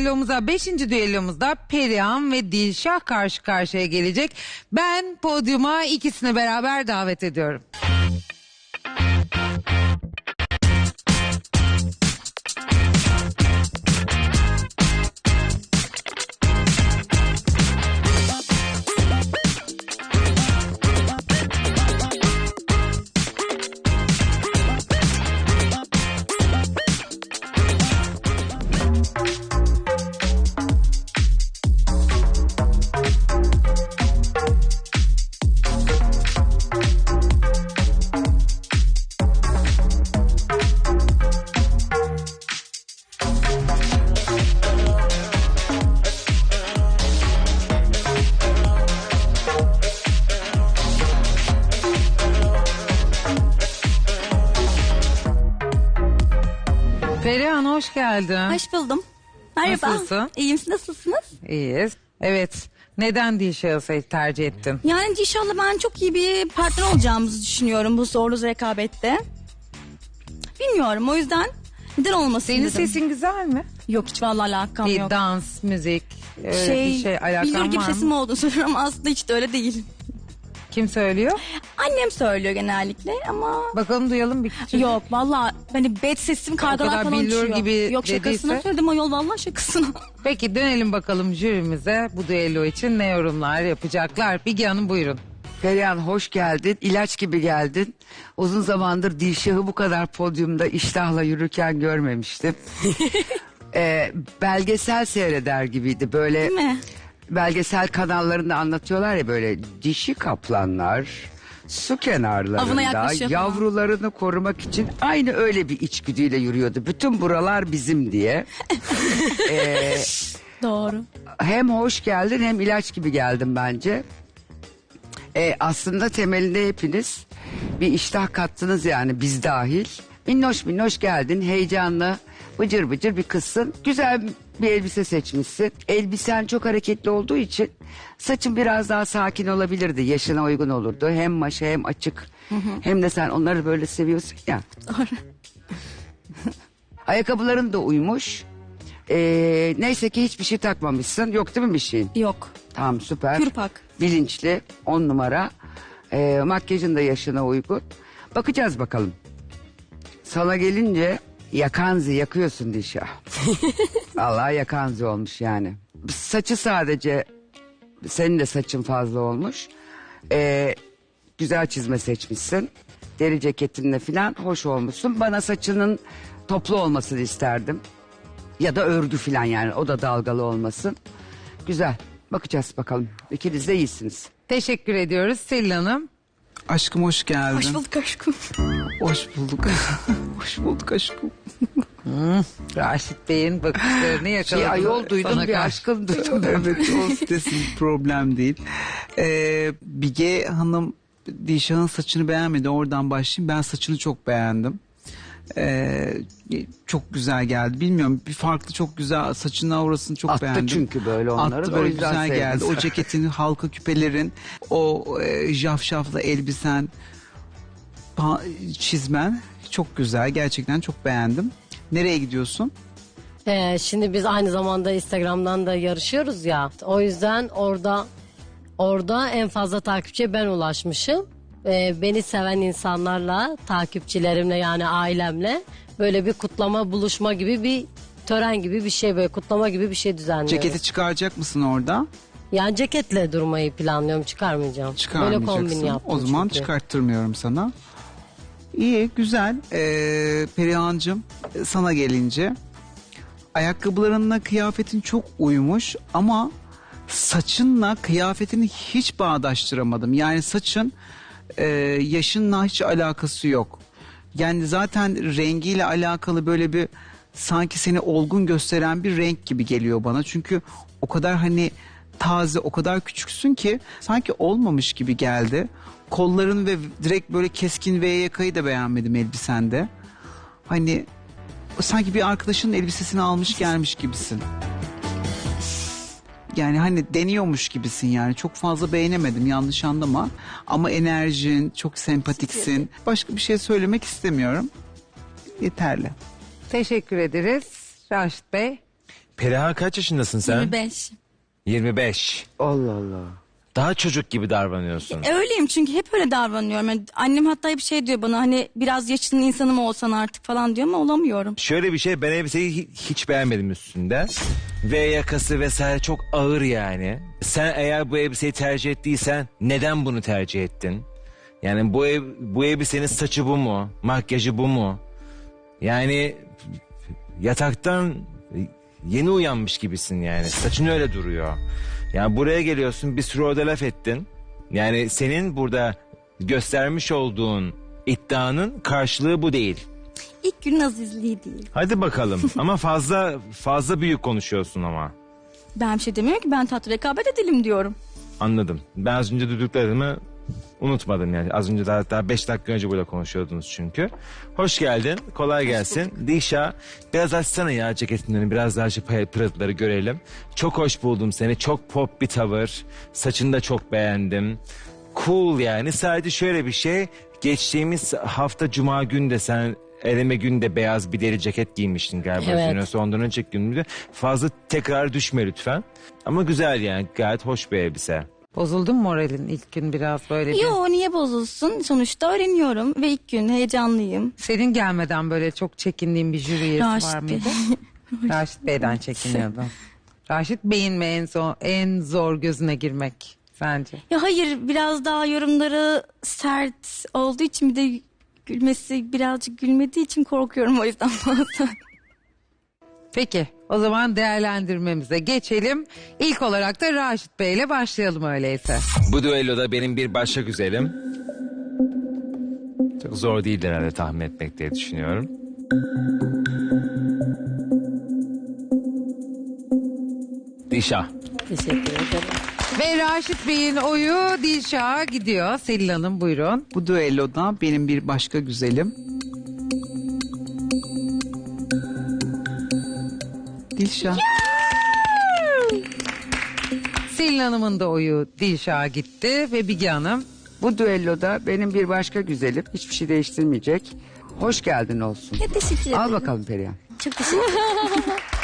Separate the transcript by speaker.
Speaker 1: düellomuza, 5. düellomuzda Perihan ve Dilşah karşı karşıya gelecek. Ben podyuma ikisini beraber davet ediyorum. Perihan hoş geldin.
Speaker 2: Hoş buldum. Merhaba.
Speaker 1: Nasılsın?
Speaker 2: İyiyim, siz nasılsınız?
Speaker 1: İyiyiz. Evet. Neden Dilşah'ı tercih ettin?
Speaker 2: Yani inşallah ben çok iyi bir partner olacağımızı düşünüyorum bu zorlu rekabette. Bilmiyorum, o yüzden neden olmasın
Speaker 1: Senin
Speaker 2: dedim.
Speaker 1: sesin güzel mi?
Speaker 2: Yok, hiç vallahi alakam yok.
Speaker 1: Dans, müzik, öyle bir şey alakan
Speaker 2: Billur gibi
Speaker 1: var
Speaker 2: sesim
Speaker 1: mı?
Speaker 2: olduğunu söylüyorum ama aslında hiç de öyle değil.
Speaker 1: Kim söylüyor?
Speaker 2: Annem söylüyor genellikle ama...
Speaker 1: Bakalım duyalım bir küçük.
Speaker 2: Yok vallahi hani bet sesim kargalar
Speaker 1: kadar
Speaker 2: falan
Speaker 1: billur
Speaker 2: uçuyor.
Speaker 1: gibi
Speaker 2: Yok, şakasına
Speaker 1: dediyse.
Speaker 2: söyledim ayol, vallahi şakasına.
Speaker 1: Peki dönelim bakalım jürimize bu düello için ne yorumlar yapacaklar. Bilge Hanım buyurun.
Speaker 3: Perihan hoş geldin. İlaç gibi geldin. Uzun zamandır Dilşah'ı bu kadar podyumda iştahla yürürken görmemiştim. Belgesel seyreder gibiydi. Böyle
Speaker 2: Değil mi?
Speaker 3: belgesel kanallarında anlatıyorlar ya, böyle dişi kaplanlar su
Speaker 2: Avına
Speaker 3: kenarlarında
Speaker 2: yaklaşıyor falan.
Speaker 3: yavrularını korumak için aynı öyle bir içgüdüyle yürüyordu. Bütün buralar bizim diye.
Speaker 2: Doğru.
Speaker 3: Hem hoş geldin hem ilaç gibi geldim bence. Aslında temelinde hepiniz bir iştah kattınız, yani biz dahil. Minnoş minnoş geldin, heyecanlı, bıcır bıcır bir kızsın. Güzel bir elbise seçmişsin. Elbisen çok hareketli olduğu için saçın biraz daha sakin olabilirdi. Yaşına uygun olurdu. Hem maşa hem açık. Hem de sen onları böyle seviyorsun ya.
Speaker 2: Doğru.
Speaker 3: Ayakkabıların da uymuş. Neyse ki hiçbir şey takmamışsın. Yok değil mi bir şeyin?
Speaker 2: Yok.
Speaker 3: Tamam, süper.
Speaker 2: Kürpak.
Speaker 3: Bilinçli, 10 numara. Makyajın da yaşına uygun. Bakacağız bakalım. Sana gelince yakanzi yakıyorsun Dilşah. Vallahi yakanzi olmuş yani. Saçı sadece, senin de saçın fazla olmuş. Güzel çizme seçmişsin. Deri ceketinle falan hoş olmuşsun. Bana saçının toplu olmasını isterdim. Ya da örgü falan, yani o da dalgalı olmasın. Güzel. Bakacağız bakalım. İkiniz de iyisiniz.
Speaker 1: Teşekkür ediyoruz Selin Hanım.
Speaker 4: Aşkım hoş geldin.
Speaker 2: Hoş bulduk aşkım.
Speaker 4: Hoş bulduk. Hoş bulduk aşkım.
Speaker 1: Raşit Bey'in bakışlarını yakaladım.
Speaker 3: Ayol duydum,
Speaker 1: Sana
Speaker 3: bir
Speaker 1: karşı.
Speaker 3: aşkın duydum.
Speaker 4: Evet, o desin, problem değil. Bilge Hanım Dilşah'ın saçını beğenmedi. Oradan başlayayım. Ben saçını çok beğendim. Çok güzel geldi. Bilmiyorum, bir farklı, çok güzel, saçının aurasını çok
Speaker 3: Attı
Speaker 4: beğendim.
Speaker 3: çünkü böyle onları.
Speaker 4: Attı,
Speaker 3: O
Speaker 4: böyle
Speaker 3: yüzden
Speaker 4: güzel
Speaker 3: sevdim.
Speaker 4: geldi. O ceketin, halka küpelerin, o jafşaflı elbisen, çizmen çok güzel. Gerçekten çok beğendim. Nereye gidiyorsun?
Speaker 5: Şimdi biz aynı zamanda Instagram'dan da yarışıyoruz ya. O yüzden orada en fazla takipçiye ben ulaşmışım. Beni seven insanlarla, takipçilerimle, yani ailemle böyle bir kutlama, buluşma gibi bir tören gibi bir şey, böyle kutlama gibi bir şey düzenliyoruz.
Speaker 4: Ceketi çıkaracak mısın orada?
Speaker 5: Yani ceketle durmayı planlıyorum, çıkarmayacağım. Böyle
Speaker 4: Çıkarmayacaksın.
Speaker 5: kombin yaptım
Speaker 4: O zaman
Speaker 5: çünkü.
Speaker 4: çıkarttırmıyorum sana. İyi, güzel. Perihan'cığım, sana gelince ayakkabılarınla kıyafetin çok uymuş ama saçınla kıyafetini hiç bağdaştıramadım. Yani saçın yaşınla hiç alakası yok. Yani zaten rengiyle alakalı böyle bir, sanki seni olgun gösteren bir renk gibi geliyor bana. Çünkü o kadar hani taze, o kadar küçüksün ki sanki olmamış gibi geldi. Kolların ve direkt böyle keskin V yakayı da beğenmedim elbisende. Hani sanki bir arkadaşının elbisesini almış gelmiş gibisin. Yani hani deniyormuş gibisin yani. Çok fazla beğenemedim, yanlış anlama. Ama enerjin, çok sempatiksin. Başka bir şey söylemek istemiyorum. Yeterli.
Speaker 1: Teşekkür ederiz Raşit Bey.
Speaker 6: Perihan kaç yaşındasın sen?
Speaker 2: 25.
Speaker 6: 25.
Speaker 3: Allah Allah.
Speaker 6: Daha çocuk gibi davranıyorsun.
Speaker 2: Öyleyim çünkü hep öyle davranıyorum. Yani annem hatta hep şey diyor bana, hani biraz yaşının insanı mı olsan artık falan diyor ama olamıyorum.
Speaker 6: Şöyle bir şey, ben elbiseyi hiç beğenmedim üstünde. V yakası vesaire çok ağır yani. Sen eğer bu elbiseyi tercih ettiysen neden bunu tercih ettin? Yani bu elbisenin saçı bu mu? Makyajı bu mu? Yani yataktan yeni uyanmış gibisin yani. Saçın öyle duruyor. Yani buraya geliyorsun, bir sürü orada laf ettin. Yani senin burada göstermiş olduğun iddianın karşılığı bu değil.
Speaker 2: İlk günün azizliği değil.
Speaker 6: Hadi bakalım ama fazla büyük konuşuyorsun ama.
Speaker 2: Ben bir şey demiyorum ki, ben tatlı rekabet edelim diyorum.
Speaker 6: Anladım. Ben az önce duyduklarımı unutmadım yani. Az önce daha 5 dakika önce burada konuşuyordunuz çünkü. Hoş geldin. Kolay gelsin. Dişa, biraz açsana ya ceketinden, biraz daha şu pırıltıları görelim. Çok hoş buldum seni. Çok pop bir tavır. Saçını da çok beğendim. Cool yani. Sadece şöyle bir şey. Geçtiğimiz hafta Cuma günü de sen eleme günde beyaz bir deri ceket giymiştin galiba.
Speaker 5: Evet.
Speaker 6: Yoksa ondan önceki gün müydü? Fazla tekrar düşme lütfen. Ama güzel yani. Gayet hoş bir elbise.
Speaker 1: Bozuldun mu moralin ilk gün biraz böyle bir?
Speaker 2: Yo, niye bozulsun? Sonuçta öğreniyorum ve ilk gün heyecanlıyım.
Speaker 1: Senin gelmeden böyle çok çekindiğin bir jüri üyesi
Speaker 2: Raşit
Speaker 1: var
Speaker 2: Bey.
Speaker 1: mıydı? Raşit Bey'den çekiniyordum. Raşit Bey'in mi en zor gözüne girmek sence?
Speaker 2: Ya hayır, biraz daha yorumları sert olduğu için, bir de gülmesi birazcık gülmediği için korkuyorum o yüzden bazen.
Speaker 1: Peki o zaman değerlendirmemize geçelim. İlk olarak da Raşit Bey'le başlayalım öyleyse.
Speaker 6: Bu düelloda benim bir başka güzelim. Çok zor değil herhalde tahmin etmek diye düşünüyorum. Dişa.
Speaker 5: Teşekkür ederim.
Speaker 1: Ve Raşit Bey'in oyu Dilşah'a gidiyor. Selin Hanım buyurun.
Speaker 4: Bu düelloda benim bir başka güzelim. Dilşah.
Speaker 1: Selin Hanım'ın da oyu Dilşah'a gitti ve Bilge Hanım.
Speaker 3: Bu düelloda benim bir başka güzelim. Hiçbir şey değiştirmeyecek. Hoş geldin olsun.
Speaker 2: Ya teşekkür ederim.
Speaker 3: Al bakalım Perihan.
Speaker 2: Çok teşekkür ederim.